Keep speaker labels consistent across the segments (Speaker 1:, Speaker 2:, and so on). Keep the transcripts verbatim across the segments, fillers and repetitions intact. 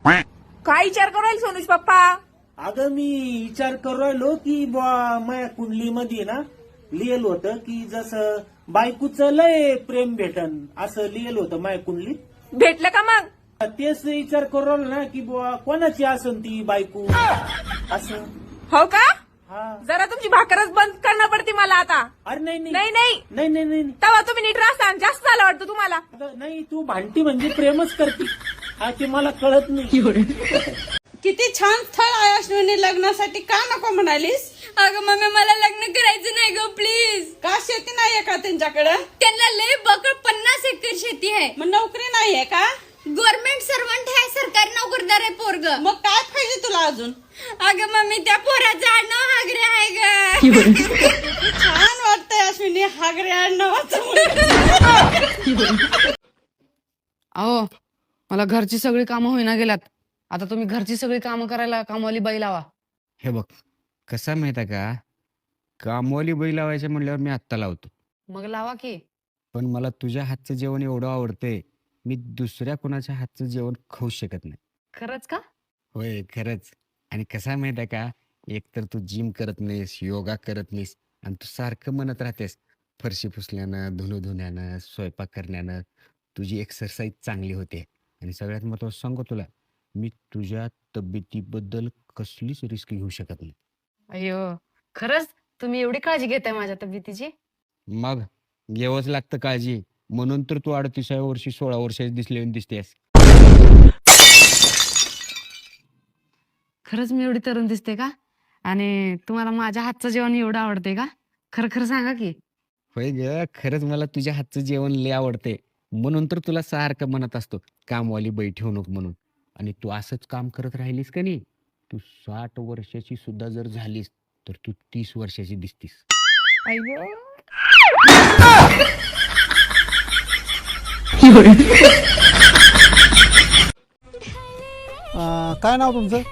Speaker 1: काय विचार करायला सोनूज पप्पा?
Speaker 2: अगं मी विचार करू राहिलो की बुवा माझ्या कुंडलीमध्ये ना लिहिलं होतं की जसं बायकोचं लय प्रेम भेटन असं लिहिलं होतं माझ्या कुंडलीत.
Speaker 1: भेटलं का मग?
Speaker 2: तेच विचार करू राहिलो ना की बुवा कोणाची असन ती बायको असं.
Speaker 1: हो का?
Speaker 2: हा.
Speaker 1: जरा तुमची भाकरच बंद करणं पडते मला आता.
Speaker 2: अरे नाही
Speaker 1: नाही नाही
Speaker 2: नाही नाही नाही नाही.
Speaker 1: तेव्हा तुम्ही नीट राहता. जास्त झालं वाटतं तुम्हाला.
Speaker 2: अगं, नाही तू भांडती म्हणजे प्रेमच करते हा ते मला कळत नाही.
Speaker 3: किती छान स्थळ आहे अश्विनी लग्नासाठी, का नको म्हणालीस?
Speaker 4: अगं मम्मी मला लग्न करायचं नाही ग प्लीज.
Speaker 3: का शेती नाहीये का त्यांच्याकडे?
Speaker 4: त्यांना लय बकड पन्नास एकर शेती आहे.
Speaker 3: मग नोकरी नाहीये का?
Speaker 4: गव्हर्नमेंट सर्वंट आहे, सरकारी नोकरदार आहे पोरग.
Speaker 3: मग काय पाहिजे तुला अजून?
Speaker 4: अगं मम्मी त्या पोराचं आडनाव हागरे आहे ग.
Speaker 3: छान वाटतंय अश्विनी हागरे आडनावाचं.
Speaker 5: अहो मला घरची सगळी कामं होईना गेल्यात. आता तुम्ही घरची सगळी कामं करायला कामवाली बाई लावा.
Speaker 6: हे बघ कसा माहित आहे का, कामवाली बाई लावायचं म्हणल्यावर मी आत्ता लावतो,
Speaker 5: मग लावा की.
Speaker 6: पण मला तुझ्या हातचं जेवण एवढं आवडतंय, मी दुसऱ्या कोणाच्या हातचं जेवण खाऊ शकत नाही.
Speaker 5: खरंच का?
Speaker 6: होय खरंच. आणि कसा माहित आहे का, एकतर तू जिम करत नाहीस, योगा करत नाहीस, आणि तू सारखं म्हणत राहतेस फरशी पुसल्यानं, धुणं धुण्यानं, स्वयंपाक करण्यानं तुझी एक्सरसाइज चांगली होते. आणि सगळ्यात महत्त्वाचं सांगू तुला, मी तुझ्या तब्येतीबद्दल कसलीच रिस्क घेऊ शकत नाही.
Speaker 5: अय्यो खरंच तुम्ही एवढी काळजी घेताय माझ्या तब्येतीची?
Speaker 6: मग घ्यावंच लागतं काळजी, म्हणून तर तू अडतीसाव्या वर्षी सोळा वर्षाची दिसले दिसतेस.
Speaker 5: खरंच मी एवढी तरुण दिसते का? आणि तुम्हाला माझ्या हातचं जेवण एवढं आवडते का? खरं खरं सांगा की.
Speaker 6: होय ग, खरंच मला तुझ्या हातचं जेवण लय आवडते, म्हणून तर तुला सारखं म्हणत असतो कामवाली बाई ठेवू नको म्हणून. आणि तू असंच काम करत राहिलीस का नाही, तू साठ वर्षाची सुद्धा जर झालीस तर तू तीस वर्षाची दिसतीस.
Speaker 5: अय्यो
Speaker 7: अं, काय नाव तुमचं?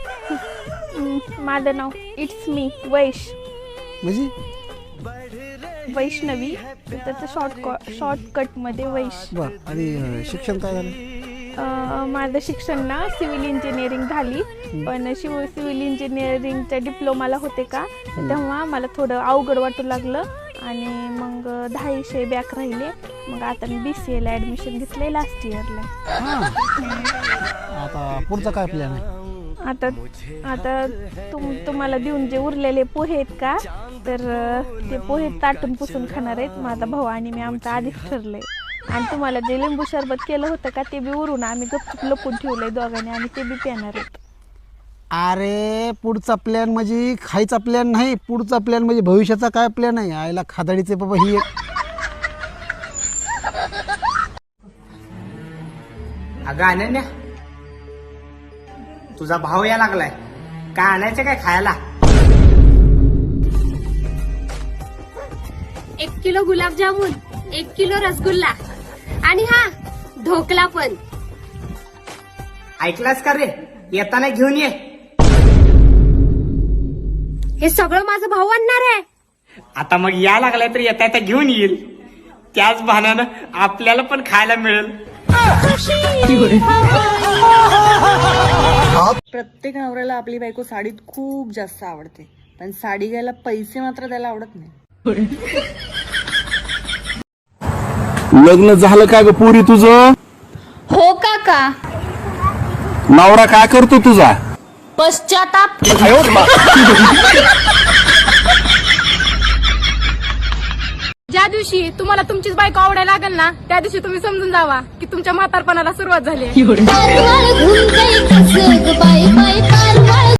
Speaker 8: माझं नाव इट्स मी वैश
Speaker 7: म्हणजे
Speaker 8: वैष्णवी, त्याचं शॉर्ट शॉर्टकटमध्ये वैश.
Speaker 7: बर. आणि अं, शिक्षण काय झालं?
Speaker 8: अं, माझं शिक्षण ना सिव्हिल इंजिनिअरिंग झाली, पण शिव सिव्हिल इंजिनिअरिंगच्या डिप्लोमाला होते का तेव्हा मला थोडं अवघड वाटू लागलं आणि मग दहा विषय बॅक राहिले. मग आता मी बी सी एला ॲडमिशन घेतलं आहे लास्ट इयरला.
Speaker 7: आता पुढचा काय प्लॅन आहे?
Speaker 8: आता आता तुम तुम्हाला देऊन जे उरलेले पोहे आहेत का, तर अं, ते पोहे ताटून पुसून खाणार आहेत माझा भाऊ आणि मी. आमचं आधीच ठरलंय. आणि तुम्हाला जे लिंबू सरबत केलं होतं का ते बी उरून आम्ही गपचूप लपून ठेवलंय दोघांनी आणि ते बी पिणार आहेत.
Speaker 7: अरे पुढचा प्लॅन म्हणजे खायचा प्लॅन नाही, पुढचा प्लॅन म्हणजे भविष्याचा काय प्लॅन आहे? आईला खादाडीचे बाबा ही एक.
Speaker 9: अगं अनन्या, तुझा भाव या लागलाय, काय आणायचं काय खायला?
Speaker 4: एक किलो गुलाबजामुन, एक किलो रसगुल्ला आणि हा ढोकला पण.
Speaker 9: ऐकलास का रे, येताना घेऊन ये.
Speaker 4: हे सगळं माझा भाऊ आणणार आहे.
Speaker 9: आता मग या लागलाय तर येता येता घेऊन येईल, त्याच बहाण्यानं आपल्याला पण खायला मिळेल.
Speaker 3: प्रत्येक नवऱ्याला आपली बायको साडीत खूप जास्त आवडते, पण साडी घ्यायला पैसे मात्र त्याला आवडत नाही.
Speaker 10: लग्न झालं का ग पुरी तुझं?
Speaker 4: हो काका.
Speaker 10: नवरा काय करतो तुझा?
Speaker 4: पश्चाताप.
Speaker 1: ज्या दिवशी तुम्हाला तुमचीच बायको आवडायला लागेल ना, त्या दिवशी तुम्ही समजून जावा की तुमच्या म्हातारपणाला सुरुवात झाली.